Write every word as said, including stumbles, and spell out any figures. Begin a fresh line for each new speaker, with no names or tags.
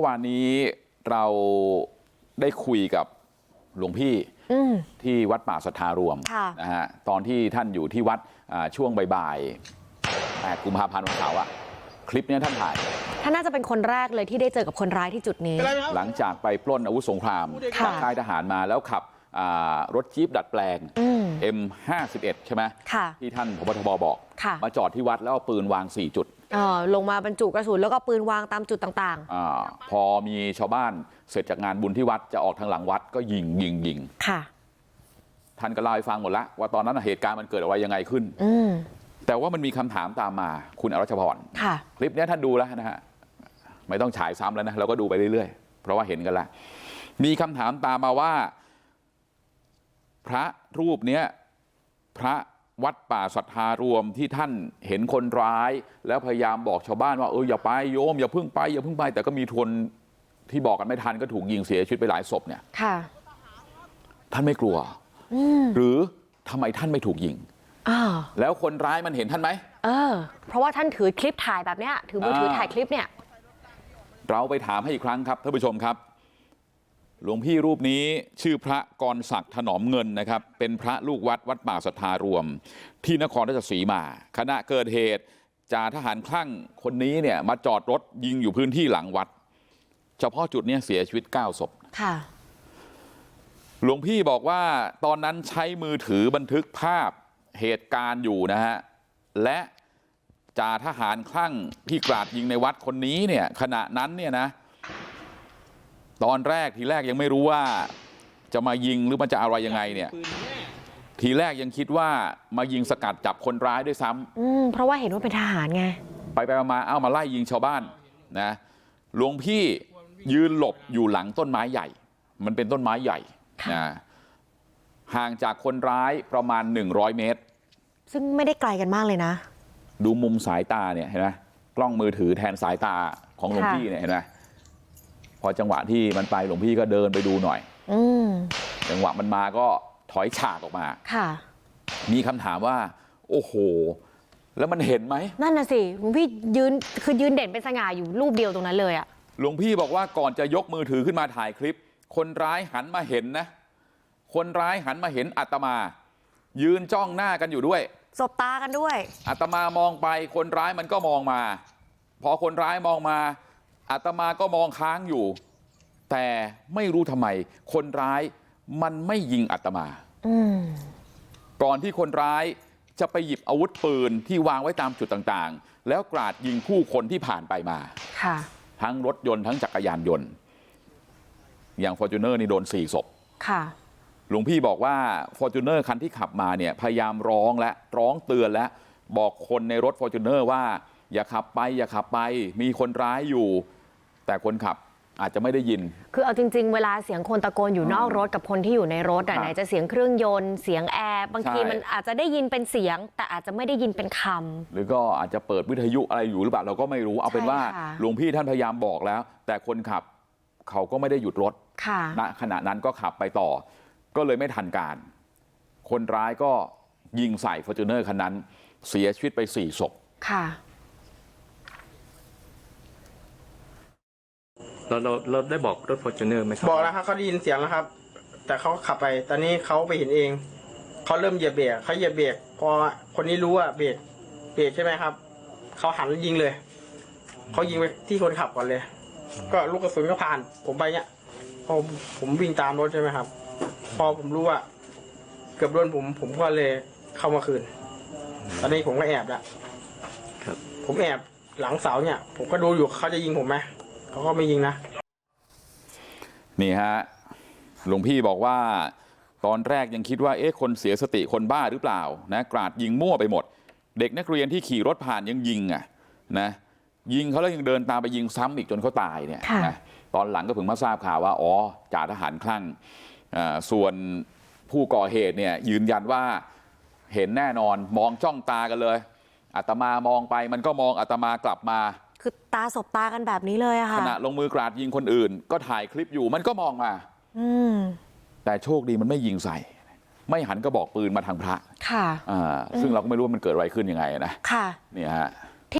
วานนี้เราได้คุยกับหลวงพี่ที่วัดป่าสัทธารวมนะฮะตอนที่ท่านอยู่ที่วัดช่วงบ่ายๆแปดกุมภาพันธ์วันเสาร์อะคลิปนี้ท่านถ่าย
ท่านน่าจะเป็นคนแรกเลยที่ได้เจอกับคนร้ายที่จุดนี้
หลังจากไปปล้นอาวุธสงครามจากค่ายทหารมาแล้วขับรถจี๊ปดัดแปลง เอ็ม ห้าสิบเอ็ด ใช่ไหมที่ท่านผบ.ทบ.บอกมาจอดที่วัดแล้วเอาปืนวางสี่จุด
ลงมาบรรจุกระสุนแล้วก็ปืนวางตามจุดต่าง
ๆอพอมีชาวบ้านเสร็จจากงานบุญที่วัดจะออกทางหลังวัดก็ยิงยิงยิงค่ะท่านก็เล่าให้ฟังหมดแล้วว่าตอนนั้นเหตุการณ์มันเกิดอะไรยังไงขึ้นแต่ว่ามันมีคำถามตามมาคุณอรัชพรคลิปนี้ท่านดูแล้วนะฮะไม่ต้องฉายซ้ำแล้วนะเราก็ดูไปเรื่อยๆเพราะว่าเห็นกันแล้วมีคำถามตามมาว่าพระรูปเนี้ยพระวัดป่าสัทธารวมที่ท่านเห็นคนร้ายแล้วพยายามบอกชาวบ้านว่าเอออย่าไปโยมอย่าเพิ่งไปอย่าเพิ่งไปแต่ก็มีทนที่บอกกันไม่ทันก็ถูกยิงเสียชีวิตไปหลายศพเนี่ยค่ะท่านไม่กลัวหรือทำไมท่านไม่ถูกยิงแล้วคนร้ายมันเห็นท่านไหม
เออเพราะว่าท่านถือคลิปถ่ายแบบเนี้ยถือมือถือถ่ายคลิปเนี่ย
เราไปถามให้อีกครั้งครับท่านผู้ชมครับหลวงพี่รูปนี้ชื่อพระกรศักดิ์ถนอมเงินนะครับเป็นพระลูกวัดวัดป่าสัทธารวมที่นครราชสีมาขณะเกิดเหตุจ่าทหารคลั่งคนนี้เนี่ยมาจอดรถยิงอยู่พื้นที่หลังวัดเฉพาะจุดนี้เสียชีวิตเก้าศพค่ะหลวงพี่บอกว่าตอนนั้นใช้มือถือบันทึกภาพเหตุการณ์อยู่นะฮะและจ่าทหารคลั่งที่กราดยิงในวัดคนนี้เนี่ยขณะนั้นเนี่ยนะตอนแรกทีแรกยังไม่รู้ว่าจะมายิงหรือมันจะอะไรยังไงเนี่ยทีแรกยังคิดว่ามายิงสกัดจับคนร้ายด้วยซ้ำ
อืมเพราะว่าเห็นว่าเป็นทหารไง
ไปไปมาเอ้ามาไล่ยิงชาวบ้านนะหลวงพี่ยืนหลบอยู่หลังต้นไม้ใหญ่มันเป็นต้นไม้ใหญ่นะห่างจากคนร้ายประมาณหนึ่งร้อยเมตร
ซึ่งไม่ได้ไกลกันมากเลยนะ
ดูมุมสายตาเนี่ยเห็นไหมกล้องมือถือแทนสายตาของหลวงพี่เนี่ยเห็นไหมพอจังหวะที่มันไปหลวงพี่ก็เดินไปดูหน่อยอืจังหวะมันมาก็ถอยฉากออกมาค่ะมีคำถามว่าโอ้โหแล้วมันเห็นไหม
นั่นน่ะสิหลวงพี่ยืนคือยืนเด่นเป็นสง่าอยู่รูปเดียวตรงนั้นเลยอะ
หลวงพี่บอกว่าก่อนจะยกมือถือขึ้นมาถ่ายคลิปคนร้ายหันมาเห็นนะคนร้ายหันมาเห็นอาตมายืนจ้องหน้ากันอยู่ด้วย
สบตากันด้วย
อาตมามองไปคนร้ายมันก็มองมาพอคนร้ายมองมาอาตมาก็มองค้างอยู่แต่ไม่รู้ทำไมคนร้ายมันไม่ยิงอาตมาก่อนที่คนร้ายจะไปหยิบอาวุธปืนที่วางไว้ตามจุดต่างๆแล้วกราดยิงผู้คนที่ผ่านไปมาทั้งรถยนต์ทั้งจักรยานยนต์อย่างฟอร์จูเนอร์นี่โดนสี่ศพหลวงพี่บอกว่าฟอร์จูเนอร์คันที่ขับมาเนี่ยพยายามร้องและร้องเตือนและบอกคนในรถฟอร์จูเนอร์ว่าอย่าขับไปอย่าขับไปมีคนร้ายอยู่แต่คนขับอาจจะไม่ได้ยิน
คือเอาจริงๆเวลาเสียงคนตะโกนอยู่นอกรถกับคนที่อยู่ในรถอ่ะไหนจะเสียงเครื่องยนต์เสียงแอร์บางทีมันอาจจะได้ยินเป็นเสียงแต่อาจจะไม่ได้ยินเป็นคำ
หรือก็อาจจะเปิดวิทยุอะไรอยู่หรือเปล่าเราก็ไม่รู้เอาเป็นว่าหลวงพี่ท่านพยายามบอกแล้วแต่คนขับเขาก็ไม่ได้หยุดรถณขณะนั้นก็ขับไปต่อก็เลยไม่ทันการคนร้ายก็ยิงใส่ฟอร์จูเนอร์คันนั้นเสียชีวิตไปสี่ศพค่ะ
เราเราเราได้บอกรถฟอร์จูเนอร์ไหมครับ
บอกแล้วครับเขาได้ยินเสียงแล้วครับแต่เขาขับไปตอนนี้เขาไปเห็นเองเขาเริ่มเหยียบเบรกเขาเหยียบเบรกพอคนนี้รู้ว่าเบรกเบรกใช่ไหมครับเขาหันยิงเลยเขายิงไปที่คนขับก่อนเลยก็ลูกกระสุนก็ผ่านผมไปเนี้ยพอผมวิ่งตามรถใช่ไหมครับพอผมรู้ว่าเกือบโดนผมผมก็เลยเข้ามาคืนตอนนี้ผมก็แอบแล้วผมแอบหลังเสาเนี่ยผมก็ดูอยู่เขาจะยิงผมไหมเขาก็ไม่ยิงนะ
นี่ฮะหลวงพี่บอกว่าตอนแรกยังคิดว่าเอ๊ะคนเสียสติคนบ้าหรือเปล่านะกราดยิงมั่วไปหมดเด็กนักเรียนที่ขี่รถผ่านยังยิงอ่ะนะยิงเขาแล้วยังเดินตามไปยิงซ้ำอีกจนเขาตายเนี่ยนะตอนหลังก็เพิ่งมาทราบข่าวว่าอ๋อจ่าทหารคลั่งส่วนผู้ก่อเหตุเนี่ยยืนยันว่าเห็นแน่นอนมองจ้องตากันเลยอาตมามองไปมันก็มองอาตมากลับมา
คือตาสบตากันแบบนี้เลยอะค่ะ
ขณะลงมือกราดยิงคนอื่นก็ถ่ายคลิปอยู่มันก็มองมาอืมแต่โชคดีมันไม่ยิงใส่ไม่หันกระบอกปืนมาทางพระค่ะอ่าซึ่งเราก็ไม่รู้ว่ามันเกิดอะไรขึ้นยังไงนะค่ะเนี่ยฮะ